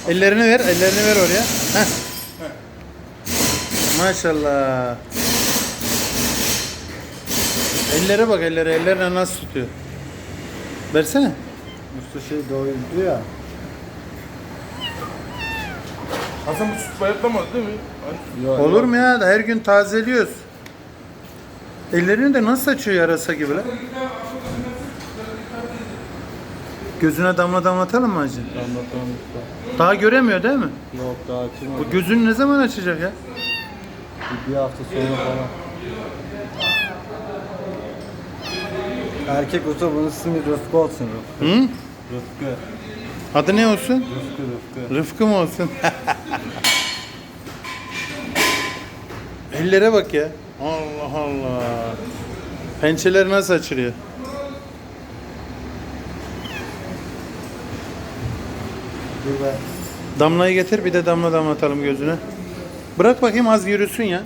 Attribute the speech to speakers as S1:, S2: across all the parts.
S1: Ellerini ver, ellerini ver oraya. Heh. Maşallah. Ellere bak, ellerine nasıl tutuyor. Versene.
S2: Usta şey doydu ya.
S3: Hasan bu süt bayatlamaz değil mi?
S2: Yok,
S1: Olur mu ya? Her gün tazeliyoruz. Ellerini de nasıl açıyor yarasa gibi lan? Gözüne damla damlatalım mı hacı?
S2: Anlatamam usta.
S1: Daha göremiyor değil mi?
S2: Yok daha açılmadı.
S1: Bu gözünü ne zaman açacak ya?
S2: Bir hafta sonra falan. Erkek usta bunun ismi Rıfkı olsun Rıfkı.
S1: Hı?
S2: Rıfkı.
S1: Adı ne olsun?
S2: Rıfkı.
S1: Rıfkı mı olsun? Ellere bak ya. Allah Allah. Pençeleri nasıl açılıyor?
S2: Dur be.
S1: Damlayı getir, bir de damla damlatalım gözüne. Bırak bakayım, az yürüsün ya.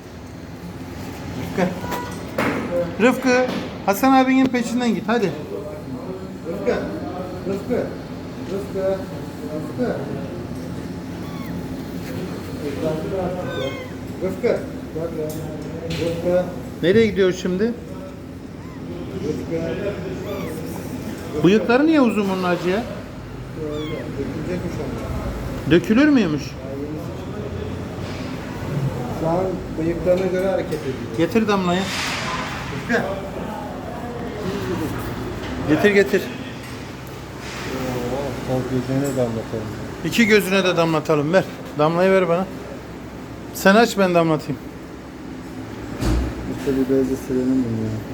S1: Rıfkı, Hasan abinin peşinden git hadi.
S2: Rıfkı. Rıfkı. Rıfkı.
S1: Nereye gidiyor şimdi?
S2: Rıfkı.
S1: Bıyıkları niye uzun bunun hacı ya?
S2: Dökülecekmiş onlar.
S1: Dökülür müymüş?
S2: Şu an bıyıklarına göre hareket ediyor.
S1: Getir damlayı.
S2: Rıfkı.
S1: Getir.
S2: Sol gözlerine damlatalım.
S1: İki gözüne de damlatalım, ver. Damlayı ver bana. Sen aç, ben damlatayım.
S2: Usta bir bezle silelim bunu ya.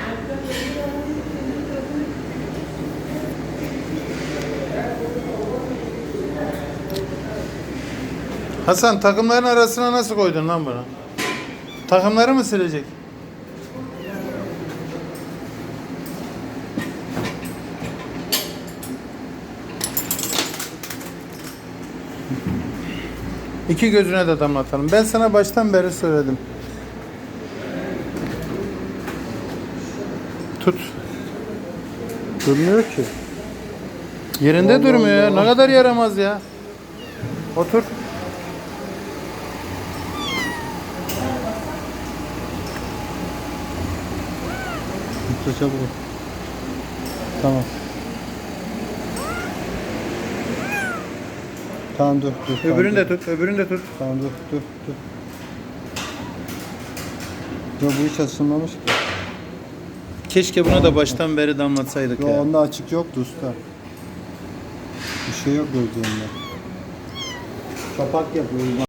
S1: Hasan, takımların arasına nasıl koydun lan bunu? Takımları mı silecek? İki gözüne de damlatalım. Ben sana baştan beri söyledim. Tut.
S2: Durmuyor ki.
S1: Yerinde
S2: Allah
S1: durmuyor ya.
S2: Allah.
S1: Ne kadar yaramaz ya. Otur.
S2: Usta çabuk. Tamam. Tamam dur.
S1: Öbürünü de tut. Öbürünü de tut.
S2: Tamam dur. Yo bu hiç açılmamış ki.
S1: Keşke buna da baştan beri damlatsaydık
S2: Yo
S1: ya.
S2: onda açık yoktu usta. Bir şey yok gözlerinde. Kapak yapıyoruz.